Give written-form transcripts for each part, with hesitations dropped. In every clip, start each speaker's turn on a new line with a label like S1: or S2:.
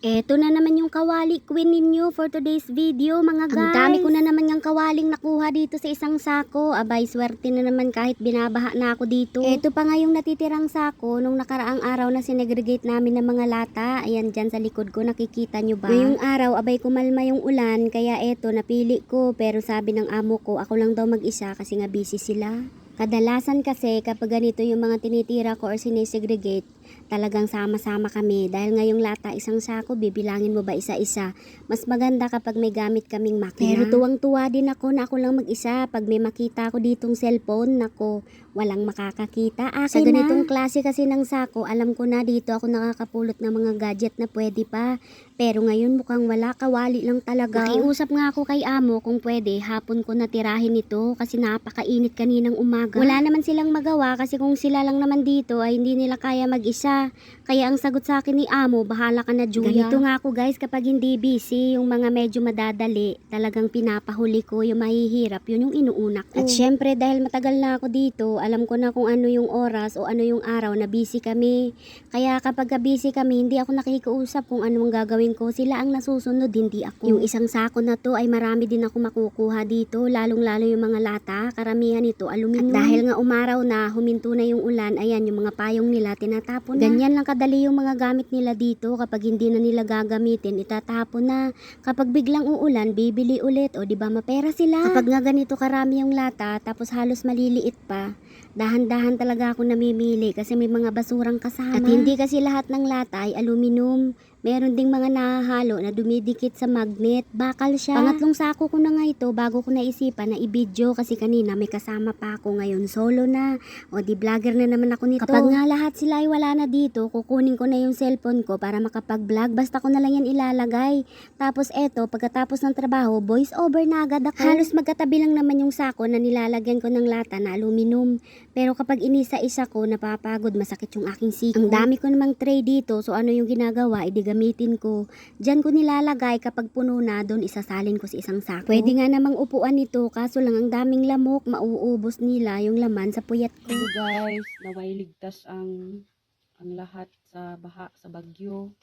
S1: Eto na naman yung kawali queen ninyo for today's video mga guys. Ang dami ko na naman yung kawaling nakuha dito sa isang sako. Abay, swerte na naman kahit binabaha na ako dito. Eto pa nga yung natitirang sako nung nakaraang araw na sinegregate namin ng mga lata. Ayan dyan sa likod ko, nakikita nyo ba? Ngayong araw, abay kumalma yung ulan, kaya eto napili ko. Pero sabi ng amo ko, ako lang daw mag-isa kasi nga busy sila. Kadalasan kasi kapag ganito yung mga tinitira ko or sinesegregate, talagang sama-sama kami. Dahil ngayong lata isang sako, bibilangin mo ba isa-isa? Mas maganda kapag may gamit kaming makina. Pero tuwang-tuwa din ako na ako lang mag-isa. Pag may makita ako ditong cellphone, nako, walang makakakita. Sa ganitong klase kasi ng sako, alam ko na dito ako nakakapulot ng mga gadget na pwede pa. Pero ngayon mukhang wala, kawali lang talaga. Nakiusap nga ako kay amo kung pwede, hapon ko natirahin ito kasi napakainit kaninang umaga. Wala naman silang magawa kasi kung sila lang naman dito ay hindi nila kaya mag-isa. Kaya ang sagot sa akin ni amo, bahala ka na Julia. Ganito nga ako guys, kapag hindi busy, yung mga medyo madadali, talagang pinapahuli ko yung mahihirap, yun yung inuuna ko. At syempre dahil matagal na ako dito, alam ko na kung ano yung oras o ano yung araw na busy kami. Kaya kapag busy kami, hindi ako nakikiusap kung anong gagawin ko. Sila ang nasusunod, hindi ako. Yung isang sako na to ay marami din ako makukuha dito, lalong-lalo yung mga lata. Karamihan ito aluminum. At dahil nga umaraw na, huminto na yung ulan, ayan yung mga payong nila tinatapon na. Ganyan lang kadali yung mga gamit nila dito. Kapag hindi na nila gagamitin, itatapon na. Kapag biglang uulan, bibili ulit. O diba mapera sila. Kapag nga ganito karami yung lata, tapos halos maliliit pa, dahan-dahan talaga ako namimili kasi may mga basurang kasama. At hindi kasi lahat ng lata ay aluminum. Meron ding mga nahahalo na dumidikit sa magnet. Bakal siya. Pangatlong sako ko na nga ito bago ko naisipan na i-video kasi kanina may kasama pa ako, ngayon solo na. O di vlogger na naman ako nito. Kapag nga lahat sila ay wala na dito, kukunin ko na yung cellphone ko para makapag-vlog. Basta ko na lang yan ilalagay. Tapos eto, pagkatapos ng trabaho, voice over na agad ako. Halos magkatabi lang naman yung sako na nilalagyan ko ng lata na aluminum. Pero kapag inisa-isa ko, napapagod, masakit yung aking siko. Ang dami ko namang tray dito, so ano yung ginagawa, gamitin ko. Diyan ko nilalagay, kapag puno na, doon isasalin ko sa isang sako. Pwede nga namang upuan ito, kaso lang ang daming lamok, mauubos nila yung laman sa puyat ko.
S2: So guys, naway ligtas ang lahat sa baha, sa bagyo.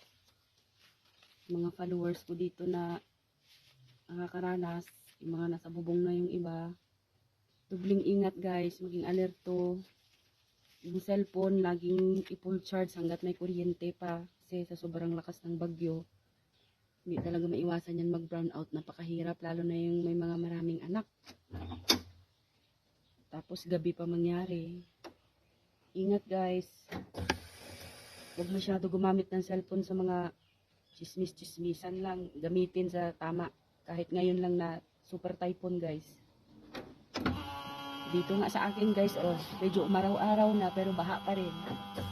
S2: Mga followers ko dito na nakakaranas, yung mga nasa bubong na yung iba. Dubling ingat guys, maging alerto. Yung cellphone, laging i-full charge hanggat may kuryente pa. Kasi sa sobrang lakas ng bagyo, hindi talaga maiwasan yan mag-brown out. Napakahirap, lalo na yung may mga maraming anak. Tapos gabi pa mangyari. Ingat guys. Huwag masyado gumamit ng cellphone sa mga chismis-chismisan lang. Gamitin sa tama. Kahit ngayon lang na super typhoon guys. Dito nga sa akin guys, oh, medyo umaraw-araw na pero baha pa rin.